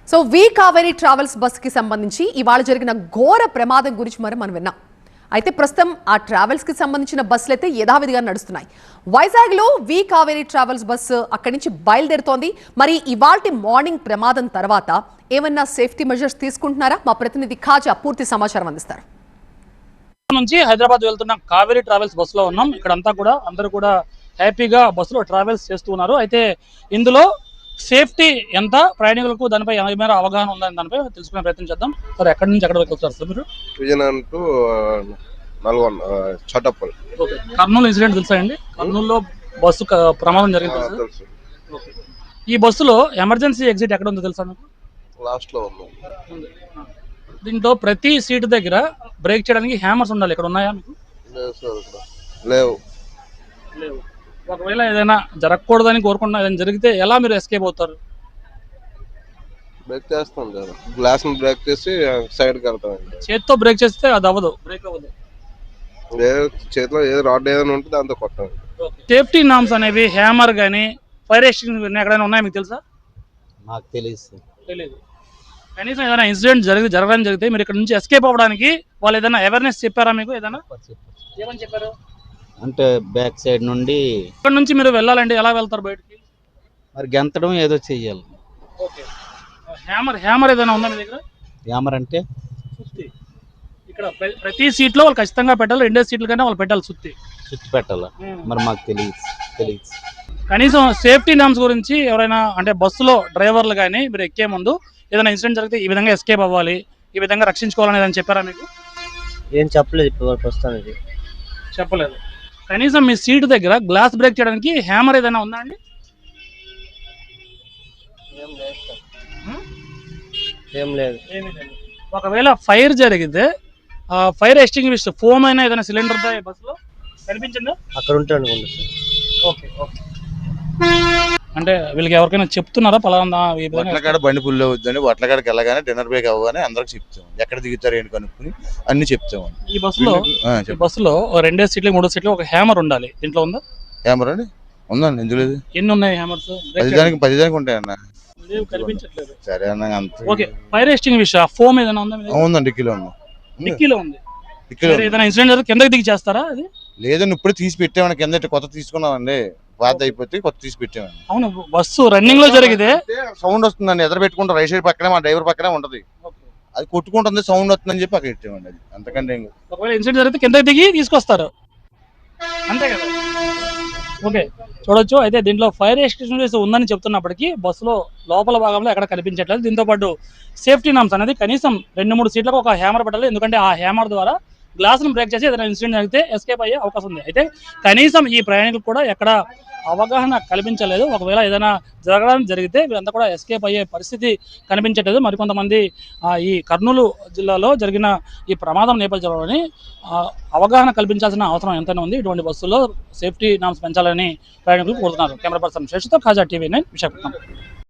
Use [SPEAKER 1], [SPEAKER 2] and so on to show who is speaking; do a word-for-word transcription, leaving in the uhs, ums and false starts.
[SPEAKER 1] So we Kaveri travels bus కి సంబంధించి ఇవాళ జరిగిన ఘోర ప్రమాదం గురించి మరి మనం విన్నాం. అయితే ప్రస్తుతం ఆ ట్రావెల్స్ కి సంబంధించిన బస్సులు అయితే యథావిధిగా నడుస్తున్నాయి. వైజాగ్ లో వి కావేరీ ట్రావెల్స్ బస్సు అక్కడి నుంచి బయలుదేరుతోంది. మరి ఇవాల్టి మార్నింగ్ ప్రమాదం తర్వాత ఏమన్నా సేఫ్టీ మెజర్స్ తీసుకుంటున్నారా? మా ప్రతినిధి ఖాజా పూర్తి సమాచారం అందిస్తారు.
[SPEAKER 2] నుంచి హైదరాబాద్ వెళ్తున్న కావేరీ ట్రావెల్స్ బస్సులో ఉన్నాం. ఇక్కడంతా కూడా అందరూ కూడా హ్యాపీగా బస్సులో ట్రావెల్స్ చేస్తూ ఉన్నారు. అయితే ఇందులో సేఫ్టీ ఎంత, ప్రయాణికులకు దానిపై ఏమైనా అవగాహన ఉందని దానిపై తెలుసుకునే ప్రయత్నం చేద్దాం. సార్, ఎక్కడి నుంచి ఎక్కడ వరకు వస్తారు సార్ మీరు?
[SPEAKER 3] Vizianagaram to Nalgonda Choutuppal.
[SPEAKER 2] Okay. Kurnool incident తెలుసా అండి? కర్నూలులో బస్సు ప్రమాదం జరిగింది. ఈ బస్సులో ఎమర్జెన్సీ ఎగ్జిట్ ఎక్కడ ఉందో తెలుసా మీకు?
[SPEAKER 3] లాస్ట్ లో ఉంది.
[SPEAKER 2] దీంట్లో ప్రతి సీటు దగ్గర బ్రేక్ చేయడానికి హ్యామర్స్ ఉండాలి. ఇక్కడ ఉన్నాయా మీకు?
[SPEAKER 3] లేవు.
[SPEAKER 2] లేవు. ఒకవేళ ఏదైనా జరగకూడదని కోరుకున్నా ఏదైనా జరిగితే ఎలా మీరు ఎస్కేప్ అవుతారు?
[SPEAKER 3] బ్రేక్ చేస్తాం కదా, గ్లాస్ బ్రేక్ చేసి సైడ్ కడతాం.
[SPEAKER 2] చేతితో బ్రేక్ చేస్తే అది అవ్వదు, బ్రేక్ అవ్వదు.
[SPEAKER 3] ఏదో చేతిలో ఏదో రాడ్ ఏదైనా ఉంటే దాంతో కొట్టాలి.
[SPEAKER 2] సేఫ్టీ నామ్స్ అనేవి హ్యామర్ కానీ ఫైర్ ఎక్స్టింగ్విషర్ ఎక్కడైనా ఉన్నాయా మీకు తెలుసా?
[SPEAKER 4] నాకు తెలియదు.
[SPEAKER 2] తెలియదు. కనీసం ఏదైనా ఇన్సిడెంట్ జరిగి జరగడం జరిగితే మీరు ఇక్కడ నుంచి ఎస్కేప్ అవ్వడానికి వాళ్ళు ఏదైనా అవేర్నెస్ చెప్పారా మీకు? ఏదైనా ఏమని చెప్పారు?
[SPEAKER 4] అంటే బ్యాక్ సైడ్ నుండి
[SPEAKER 2] ఇక్కడ నుంచి మీరు వెళ్ళాలంటే ఎలా వెళ్తారు బయటికి?
[SPEAKER 4] మరి గెంతడం ఏదో చెయ్యాలి.
[SPEAKER 2] ఓకే. హ్యామర్ హ్యామర్ ఏదైనా ఉందా మీ దగ్గర?
[SPEAKER 4] హ్యామర్ అంటే
[SPEAKER 2] సుత్తి. ఇక్కడ ప్రతి సీట్లో వాళ్ళు ఖచ్చితంగా పెట్టాలి. రెండే సీట్ల కన్నా వాళ్ళు పెట్టాలి సుత్తి.
[SPEAKER 4] చుట్టూ పెట్టాలా? మరి మాకు తెలియదు తెలియదు
[SPEAKER 2] కనీసం సేఫ్టీ నామ్స్ గురించి ఎవరైనా అంటే బస్సులో డ్రైవర్లు కానీ మీరు ఎక్కే ముందు ఏదైనా ఇన్సిడెంట్ జరిగితే ఈ విధంగా ఎస్కేప్ అవ్వాలి, ఈ విధంగా రక్షించుకోవాలని ఏదైనా చెప్పారా మీకు?
[SPEAKER 4] ఏం చెప్పలేదు ఇప్పుడు ప్రస్తుతానికి.
[SPEAKER 2] చెప్పలేదు. కనీసం మీ సీటు దగ్గర గ్లాస్ బ్రేక్ చేయడానికి హ్యామర్ ఏదైనా ఉందా అండి?
[SPEAKER 4] ఏం లేదు.
[SPEAKER 2] ఏమీ లేదు. ఒకవేళ ఫైర్ జరిగితే ఫైర్ ఎక్స్టింగ్విషర్ ఫోమ్ అయినా ఏదైనా సిలిండర్ బస్సులో కనిపించిందా?
[SPEAKER 4] అక్కడ ఉంటే అనుకుంటా సార్.
[SPEAKER 2] Okay okay. అంటే వీళ్ళకి ఎవరికైనా చెప్తున్నారా పలానా
[SPEAKER 5] వట్లకాడ బండి పుల్లు అవుద్దని వట్లకాడకి వెళ్ళగానే డిన్నర్ బ్రేక్ అవ్వగానే అందరికి చెప్తాం, ఎక్కడ దిగుతారు ఏంటి కనుక్కుని అన్ని చెప్తాం.
[SPEAKER 2] ఈ బస్సులో ఈ బస్సులో రెండే సీట్లు మూడో సీట్లు ఒక హ్యామర్ ఉండాలి. దీంట్లో ఉందా
[SPEAKER 5] హ్యామర్? అండి ఉందండి. ఎందుకు లేదు?
[SPEAKER 2] ఎన్ని ఉన్నాయి హ్యామర్స్?
[SPEAKER 5] పది దానికి పది దానికి ఉంటాయన్న.
[SPEAKER 2] కనిపించట్లేదు.
[SPEAKER 5] సరే అన్న అంత.
[SPEAKER 2] ఓకే. ఫైర్ ఎక్స్టింగ్విషర్ ఫోమ్ ఏదైనా ఉందా?
[SPEAKER 5] ఉందండి, డిక్కీలో ఉంది.
[SPEAKER 2] డిక్కీలో ఉంది. ఏదైనా ఇన్సిడెంట్ జరిగితే కిందకి దిగి చేస్తారా? అది
[SPEAKER 5] లేదండి, ఇప్పుడే తీసి పెట్టామని కింద కొత్త తీసుకున్నామండి. బాధ అయిపోతే కొత్త తీసి పెట్టామండి.
[SPEAKER 2] అవును. బస్సు రన్నింగ్ లో జరిగితే
[SPEAKER 5] సౌండ్ వస్తుందండి, ఎదురు పెట్టుకుంటాం. రైట్ సైడ్ పక్కనే మా డ్రైవర్ పక్కనే ఉంటది, అది కొట్టుకుంటుంది, సౌండ్ వస్తుందని చెప్పి అక్కడ పెట్టామండి. అది అంతకంటే
[SPEAKER 2] ఒకవేళ ఇన్సిడెంట్ జరిగితే కిందకి దిగి తీసుకొస్తారు, అంతే కదా? ఓకే, చూడొచ్చు. అయితే దీంట్లో ఫైర్ ఎక్స్టింగ్విషర్ ఉందని చెప్తున్నప్పటికీ బస్సులో లోపల భాగంలో ఎక్కడ కనిపించట్లేదు. దీంతో పాటు సేఫ్టీ నామ్స్ అనేది కనీసం రెండు మూడు సీట్లకు ఒక హ్యామర్ పెట్టాలి. ఎందుకంటే ఆ హ్యామర్ ద్వారా గ్లాసును బ్రేక్ చేసి ఏదైనా ఇన్సిడెంట్ జరిగితే ఎస్కేప్ అయ్యే అవకాశం ఉంది. అయితే కనీసం ఈ ప్రయాణికులు కూడా ఎక్కడ అవగాహన కల్పించలేదు. ఒకవేళ ఏదైనా జరగడం జరిగితే వీళ్ళంతా కూడా ఎస్కేప్ అయ్యే పరిస్థితి కనిపించట్లేదు. మరికొంతమంది ఈ కర్నూలు జిల్లాలో జరిగిన ఈ ప్రమాదం నేపథ్యంలోని అవగాహన కల్పించాల్సిన అవసరం ఎంతైనా ఉంది. ఇటువంటి బస్సుల్లో సేఫ్టీ నామ్స్ పెంచాలని ప్రయాణికులు కోరుతున్నారు. కెమెరా పర్సన్ శేషుతో ఖాజా, టీవీ నైన్, విశాఖపట్నం.